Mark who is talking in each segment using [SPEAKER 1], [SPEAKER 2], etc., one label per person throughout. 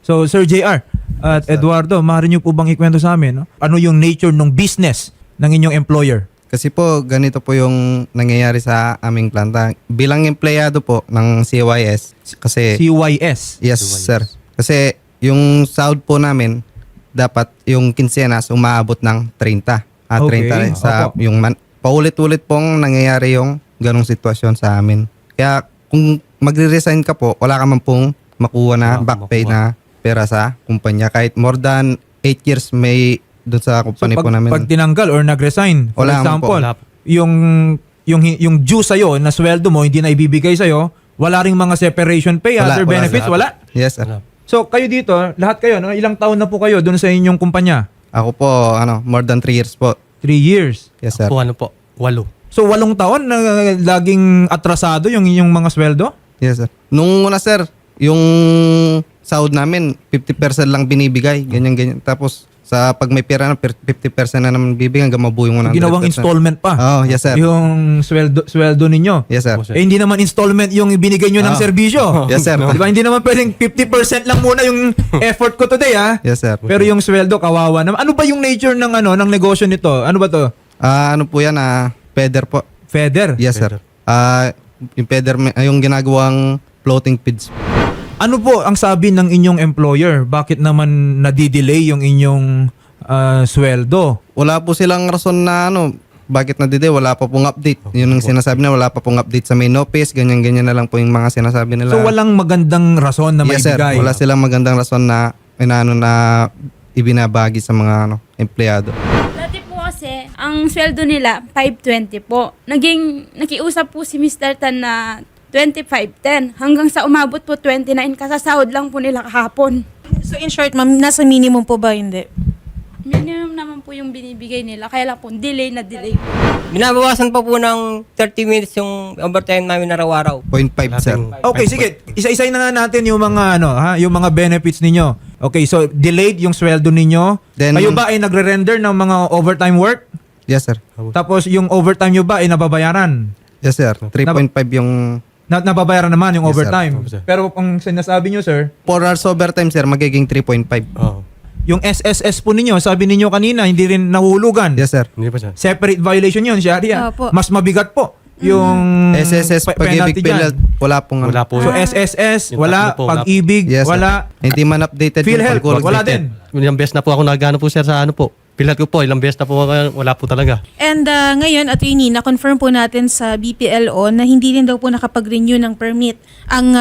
[SPEAKER 1] So, Sir JR at Eduardo, maaari niyo po bang ikwento sa amin, no? Ano yung nature ng business ng inyong employer?
[SPEAKER 2] Kasi po, ganito po yung nangyayari sa aming planta. Bilang empleyado po ng CYS, kasi...
[SPEAKER 1] CYS?
[SPEAKER 2] Yes, sir. Kasi yung sahod po namin, dapat yung quincenas umaabot ng 30.
[SPEAKER 1] Okay.
[SPEAKER 2] 30 sa
[SPEAKER 1] Opo.
[SPEAKER 2] yung paulit-ulit pong nangyayari yung ganong sitwasyon sa amin. Kaya kung magre-resign ka po, wala ka man pong makuha na back pay na pera sa kumpanya. Kahit more than 8 years may doon sa kumpanya po namin.
[SPEAKER 1] Pag tinanggal or nag-resign, for
[SPEAKER 2] Wala
[SPEAKER 1] example,
[SPEAKER 2] naman po.
[SPEAKER 1] yung due sa'yo, na sweldo mo, hindi na ibibigay sa'yo, wala ring mga separation pay, other benefits, wala?
[SPEAKER 2] Yes, sir.
[SPEAKER 1] So, kayo dito, lahat kayo, no? Ilang taon na po kayo doon sa inyong kumpanya?
[SPEAKER 2] Ako po, more than 3 years po.
[SPEAKER 1] 3 years.
[SPEAKER 2] Yes, sir.
[SPEAKER 3] Po, 8.
[SPEAKER 1] So, 8 taon na laging atrasado yung inyong mga sweldo?
[SPEAKER 2] Yes, sir. Nung una, sir, yung sahod namin, 50% lang binibigay. Ganyan-ganyan. Tapos, sa pag may pera na, 50% na naman bibigyan, hanggang mabuo yung 100%.
[SPEAKER 1] Ginawang installment pa.
[SPEAKER 2] Oh, yes, sir.
[SPEAKER 1] Yung sweldo ninyo.
[SPEAKER 2] Yes, sir.
[SPEAKER 1] Eh, hindi naman installment yung binigay nyo ng serbisyo.
[SPEAKER 2] Yes, sir.
[SPEAKER 1] Di ba? Hindi naman pwedeng 50% lang muna yung effort ko today, ha?
[SPEAKER 2] Yes, sir.
[SPEAKER 1] Pero yung sweldo, kawawa naman. Ano ba yung nature ng ng negosyo nito? Ano ba to?
[SPEAKER 2] Ano po yan? Feather po.
[SPEAKER 1] Feather?
[SPEAKER 2] Yes, sir. Yung feather, yung ginagawang floating feeds.
[SPEAKER 1] Ano po ang sabi ng inyong employer? Bakit naman nadidelay yung inyong sweldo?
[SPEAKER 2] Wala po silang rason na bakit na-delay, wala pa pong update. Yun ang sinasabi na, wala pa pong update sa main office, ganyan-ganyan na lang po yung mga sinasabi nila.
[SPEAKER 1] So walang magandang rason na
[SPEAKER 2] Yes, sir.
[SPEAKER 1] maibigay?
[SPEAKER 2] Wala silang magandang rason na na ibinabagi sa mga empleyado.
[SPEAKER 4] Dati po kasi, ang sweldo nila, 520 po. Nakiusap po si Mr. Tan na 25.10 hanggang sa umabot po 29 kasasahod lang po nila kahapon.
[SPEAKER 5] So in short, ma'am, nasa minimum po ba hindi?
[SPEAKER 4] Minimum naman po yung binibigay nila, kaya lang po delay na delay.
[SPEAKER 6] Binabawasan pa po ng 30 minutes yung overtime namin araw-araw.
[SPEAKER 2] 0.5, sir.
[SPEAKER 1] Okay, sige. Isa-isay na nga natin yung mga yung mga benefits ninyo. Okay, so delayed yung sweldo ninyo.
[SPEAKER 2] Then-
[SPEAKER 1] Kayo ba ay nagre-render ng mga overtime work?
[SPEAKER 2] Yes, sir.
[SPEAKER 1] Tapos yung overtime nyo ba ay nababayaran?
[SPEAKER 2] Yes, sir. 3.5 yung
[SPEAKER 1] Nababayaran naman yung
[SPEAKER 2] Yes, sir.
[SPEAKER 1] overtime.
[SPEAKER 3] Opo, sir.
[SPEAKER 1] Pero kung sinasabi nyo, sir,
[SPEAKER 2] 4 hours overtime, sir, magiging 3.5.
[SPEAKER 3] Oo.
[SPEAKER 1] yung SSS po ninyo, sabi ninyo kanina, hindi rin nahulugan.
[SPEAKER 2] Yes, sir.
[SPEAKER 3] Hindi pa siya.
[SPEAKER 1] Separate violation yun, Sharia.
[SPEAKER 5] Opo.
[SPEAKER 1] Mas mabigat po yung
[SPEAKER 2] SSS, pag-ibig
[SPEAKER 1] dyan.
[SPEAKER 2] PhilHealth, wala pong
[SPEAKER 3] Wala po.
[SPEAKER 1] So SSS,
[SPEAKER 3] Yung
[SPEAKER 1] wala.
[SPEAKER 3] tatlo po, wala.
[SPEAKER 1] Pag-ibig,
[SPEAKER 2] Yes, sir.
[SPEAKER 1] wala.
[SPEAKER 2] Hindi man updated yung
[SPEAKER 1] PhilHealth,
[SPEAKER 2] pag-work
[SPEAKER 1] wala
[SPEAKER 2] updated.
[SPEAKER 1] din.
[SPEAKER 3] Ilang beses na po ako nagano po sir sa po. Pilat ko po, ilang beses na po wala po talaga.
[SPEAKER 5] And ngayon, attorney, na-confirm po natin sa BPLO na hindi rin daw po nakapag-renew ng permit ang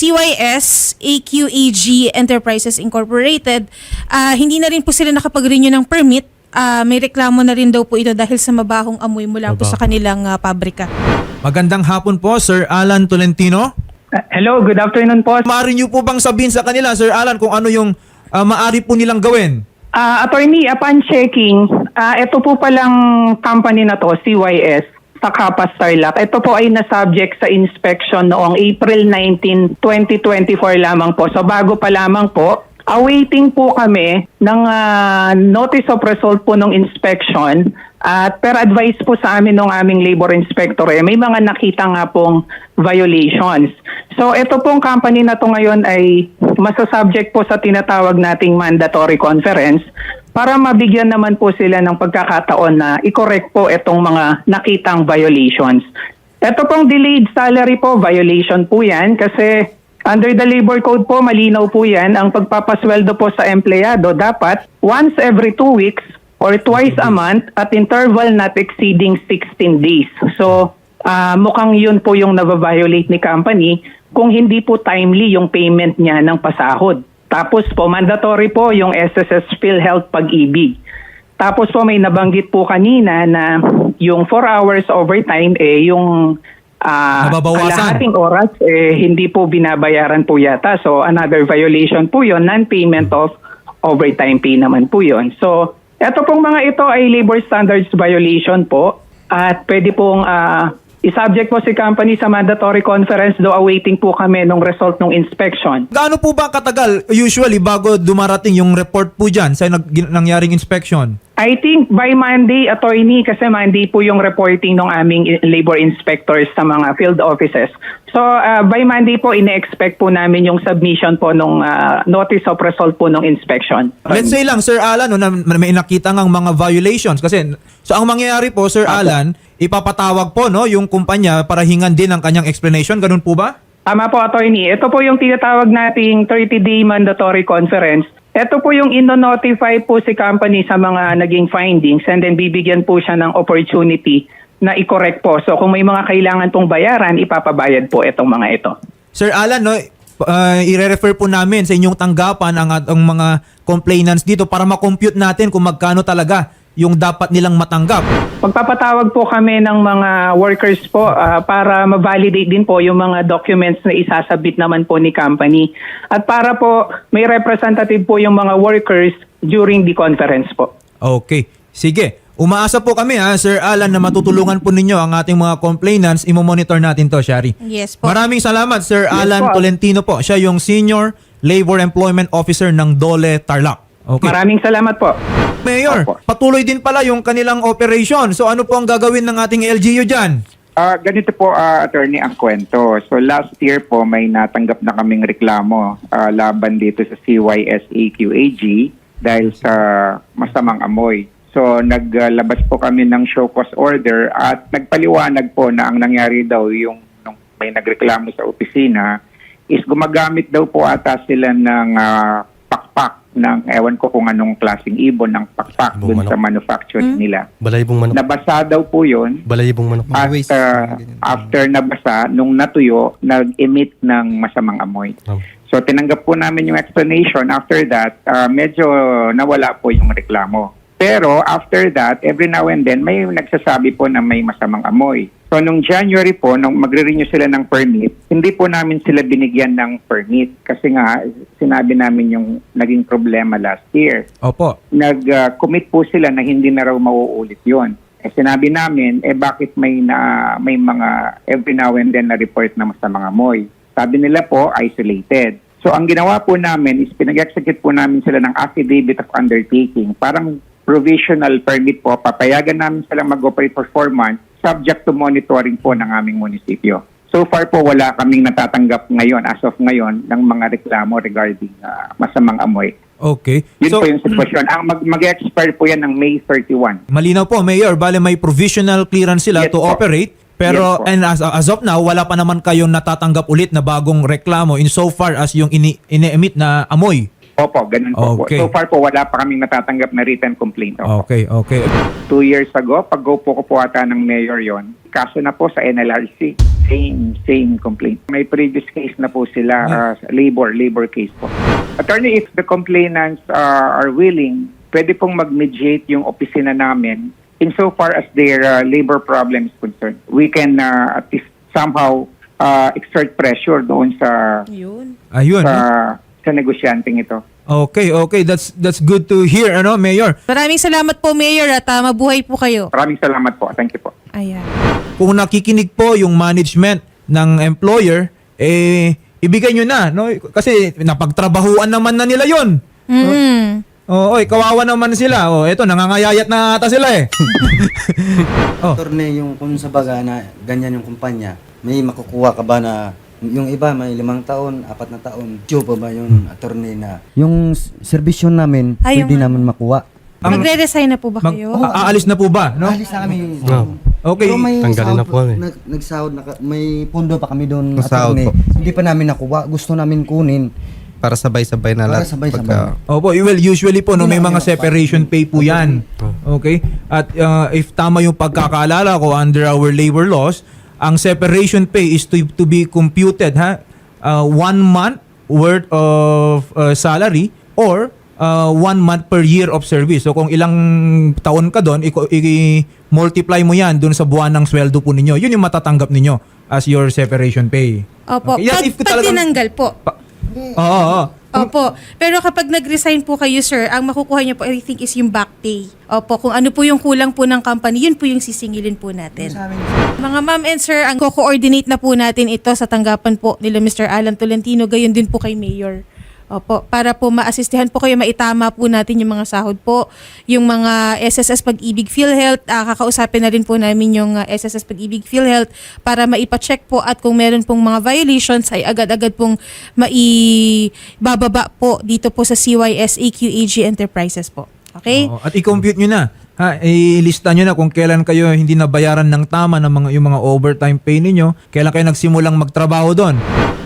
[SPEAKER 5] CYS AQAG Enterprises Incorporated. Hindi na rin po sila nakapag-renew ng permit. May reklamo na rin daw po ito dahil sa mabahong amoy mula po sa kanilang pabrika.
[SPEAKER 1] Magandang hapon po, Sir Alan Tolentino.
[SPEAKER 7] Hello, good afternoon po.
[SPEAKER 1] Maaari niyo po bang sabihin sa kanila, Sir Alan, kung ano yung maaari po nilang gawin?
[SPEAKER 7] Attorney, upon checking, ito po palang company na to, CYS, sa Kapas Tarlac. Ito po ay na-subject sa inspection noong April 19, 2024 lamang po. So bago pa lamang po, awaiting po kami ng notice of result po ng inspection at per advice po sa amin ng aming labor inspector, may mga nakita nga pong violations. So ito pong company na to ngayon ay masasubject po sa tinatawag nating mandatory conference para mabigyan naman po sila ng pagkakataon na i-correct po itong mga nakitang violations. Ito pong delayed salary po, violation po yan kasi under the labor code po, malinaw po yan, ang pagpapasweldo po sa empleyado dapat once every 2 weeks or twice a month at interval not exceeding 16 days. So, mukhang yun po yung nababiolate ni company kung hindi po timely yung payment niya ng pasahod. Tapos po, mandatory po yung SSS PhilHealth Pag-ibig. Tapos po, may nabanggit po kanina na yung 4 hours overtime, yung
[SPEAKER 1] Nababawasan.
[SPEAKER 7] kalahating oras, hindi po binabayaran po yata. So, another violation po yun, non-payment of overtime pay naman po yun. So, eto pong mga ito ay labor standards violation po at pwede pong i-subject po si company sa mandatory conference do awaiting po kami ng result ng inspection.
[SPEAKER 1] Gaano po ba katagal usually bago dumarating yung report po dyan sa nangyaring inspection?
[SPEAKER 7] I think by Monday, attorney, kasi Monday po yung reporting ng aming labor inspectors sa mga field offices. So by Monday po, ine-expect po namin yung submission po nung notice of result po ng inspection.
[SPEAKER 1] Let's say lang, Sir Alan, no, na may nakita ngang mga violations. Kasi, so ang mangyayari po, Sir Alan, ipapatawag po no, yung kumpanya para hingan din ang kanyang explanation. Ganun po ba?
[SPEAKER 7] Tama po, attorney. Ito po yung tinatawag nating 30-day mandatory conference. Ito po yung ino-notify po si company sa mga naging findings and then bibigyan po siya ng opportunity na i-correct po. So kung may mga kailangan pong bayaran, ipapabayad po itong mga ito.
[SPEAKER 1] Sir Alan, no, i-refer po namin sa inyong tanggapan ang mga complainants dito para ma-compute natin kung magkano talaga yung dapat nilang matanggap.
[SPEAKER 7] Magpapatawag po kami ng mga workers po para ma-validate din po yung mga documents na isasabit naman po ni company. At para po may representative po yung mga workers during the conference po.
[SPEAKER 1] Okay. Sige. Umaasa po kami Sir Alan, na matutulungan po ninyo ang ating mga complainants. Imo-monitor natin to, Shari.
[SPEAKER 5] Yes po.
[SPEAKER 1] Maraming salamat, Sir Alan
[SPEAKER 7] po.
[SPEAKER 1] Tolentino po. Siya yung Senior Labor Employment Officer ng Dole Tarlac. Okay.
[SPEAKER 7] Maraming salamat po.
[SPEAKER 1] Mayor,
[SPEAKER 7] Opo.
[SPEAKER 1] patuloy din pala yung kanilang operation. So ano po ang gagawin ng ating LGU dyan?
[SPEAKER 8] Ganito po, attorney, ang kwento. So last year po, may natanggap na kaming reklamo laban dito sa CYS-AQAG dahil sa masamang amoy. So naglabas po kami ng show cause order at nagpaliwanag po na ang nangyari daw yung nung may nagreklamo sa opisina is gumagamit daw po ata sila ng pakpak ng ewan ko kung anong klaseng ibon ng pakpak dun sa manufacture nila.
[SPEAKER 3] Balayibong manok.
[SPEAKER 8] Nabasa daw po yun.
[SPEAKER 3] Balayibong manok.
[SPEAKER 8] At
[SPEAKER 2] Waste.
[SPEAKER 8] after nabasa, nung natuyo, nag-emit ng masamang amoy.
[SPEAKER 3] Oh.
[SPEAKER 8] So tinanggap po namin yung explanation. After that, medyo nawala po yung reklamo. Pero after that, every now and then, may nagsasabi po na may masamang amoy. So nung January po, nung magre-renew sila ng permit, hindi po namin sila binigyan ng permit. Kasi nga, sinabi namin yung naging problema last year.
[SPEAKER 1] Opo.
[SPEAKER 8] Nag-commit po sila na hindi na raw mauulit yon. Sinabi namin, bakit may mga every now and then na report na masamang amoy? Sabi nila po, isolated. So ang ginawa po namin is pinag-execute po namin sila ng affidavit of undertaking. Parang provisional permit po, papayagan namin silang mag-operate for 4 months subject to monitoring po ng aming munisipyo. So far po, wala kaming natatanggap ngayon, as of ngayon, ng mga reklamo regarding masamang amoy.
[SPEAKER 1] Okay.
[SPEAKER 8] Yun
[SPEAKER 1] So,
[SPEAKER 8] po yung sitwasyon. Ang mag-expire po yan ng May 31.
[SPEAKER 1] malinaw po, Mayor, bale may provisional clearance sila
[SPEAKER 8] Yes
[SPEAKER 1] to
[SPEAKER 8] po.
[SPEAKER 1] operate. Pero
[SPEAKER 8] Yes po.
[SPEAKER 1] and as of now, wala pa naman kayong natatanggap ulit na bagong reklamo in so far as yung ini-emit na amoy.
[SPEAKER 8] Opo, ganun po.
[SPEAKER 1] Okay.
[SPEAKER 8] So far po, wala pa kaming natatanggap na written complaint. Opo.
[SPEAKER 1] Okay, okay.
[SPEAKER 8] 2 years ago, pag-go po ko po ata ng mayor yon, kaso na po sa NLRC. Same complaint. May previous case na po sila, labor case po. Attorney, if the complainants are willing, pwede pong mag-mediate yung opisina namin insofar as their labor problem is concerned. We can at least somehow exert pressure doon sa
[SPEAKER 1] Ayun.
[SPEAKER 8] sa negosyanteng ito.
[SPEAKER 1] Okay. That's good to hear, Mayor.
[SPEAKER 5] Maraming salamat po, Mayor, at mabuhay po kayo.
[SPEAKER 8] Maraming salamat po. Thank you po.
[SPEAKER 5] Ayan.
[SPEAKER 1] Kung nakikinig po yung management ng employer, ibigay nyo na, no? Kasi napagtrabahuan naman na nila yon. Oo, kawawa naman sila. Eto, nangangayayat na ata sila
[SPEAKER 9] Attorney, yung kung sa baga na ganyan yung kumpanya, may makukuha ka ba na yung iba may 5 taon, 4 na taon, due pa ba yung attorney na yung serbisyo namin
[SPEAKER 5] Ay,
[SPEAKER 9] pwede
[SPEAKER 5] yung-
[SPEAKER 9] namin makuha?
[SPEAKER 5] Magre-resign na po ba kayo?
[SPEAKER 1] Aalis na po ba, no?
[SPEAKER 9] Alis na kami.
[SPEAKER 1] Okay.
[SPEAKER 9] Pero may
[SPEAKER 3] Tanggalin na
[SPEAKER 9] sahod
[SPEAKER 3] po kami.
[SPEAKER 9] nagsahod na, may pondo pa kami doon,
[SPEAKER 2] Masahod
[SPEAKER 9] attorney.
[SPEAKER 2] po.
[SPEAKER 9] Hindi pa namin nakuha. Gusto namin kunin.
[SPEAKER 2] Para sabay-sabay na
[SPEAKER 9] Para
[SPEAKER 2] lahat.
[SPEAKER 9] sabay-sabay.
[SPEAKER 1] Opo, well, usually po, no, may mga separation pay po yan. Okay? At if tama yung pagkakaalala ko under our labor laws, ang separation pay is to be computed, 1 month worth of salary or 1 month per year of service. So kung ilang taon ka doon, i-multiply mo yan doon sa buwan ng sweldo po ninyo. Yun yung matatanggap ninyo as your separation pay.
[SPEAKER 5] Opo.
[SPEAKER 1] Okay. Yan, if
[SPEAKER 5] Pag
[SPEAKER 1] talagang-
[SPEAKER 5] tinanggal po.
[SPEAKER 1] Oo.
[SPEAKER 5] Opo. Pero kapag nag-resign po kayo, sir, ang makukuha niyo po, I think, is yung back pay. Opo. Kung ano po yung kulang po ng company, yun po yung sisingilin po natin. Mga ma'am and sir, ang co-coordinate na po natin ito sa tanggapan po nila Mr. Alan Tolentino, gayon din po kay Mayor. Opo, para po maasistihan po kayo, maitama po natin yung mga sahod po, yung mga SSS Pag-ibig PhilHealth, kakausapin na rin po namin yung SSS Pag-ibig PhilHealth para maipacheck po at kung meron pong mga violations ay agad-agad pong maibababa po dito po sa CYS AQAG Enterprises po. Okay?
[SPEAKER 1] Oo, at i-compute nyo na. Ilista nyo na kung kailan kayo hindi nabayaran ng tama ng yung mga overtime pay ninyo, kailan kayo nagsimulang magtrabaho doon.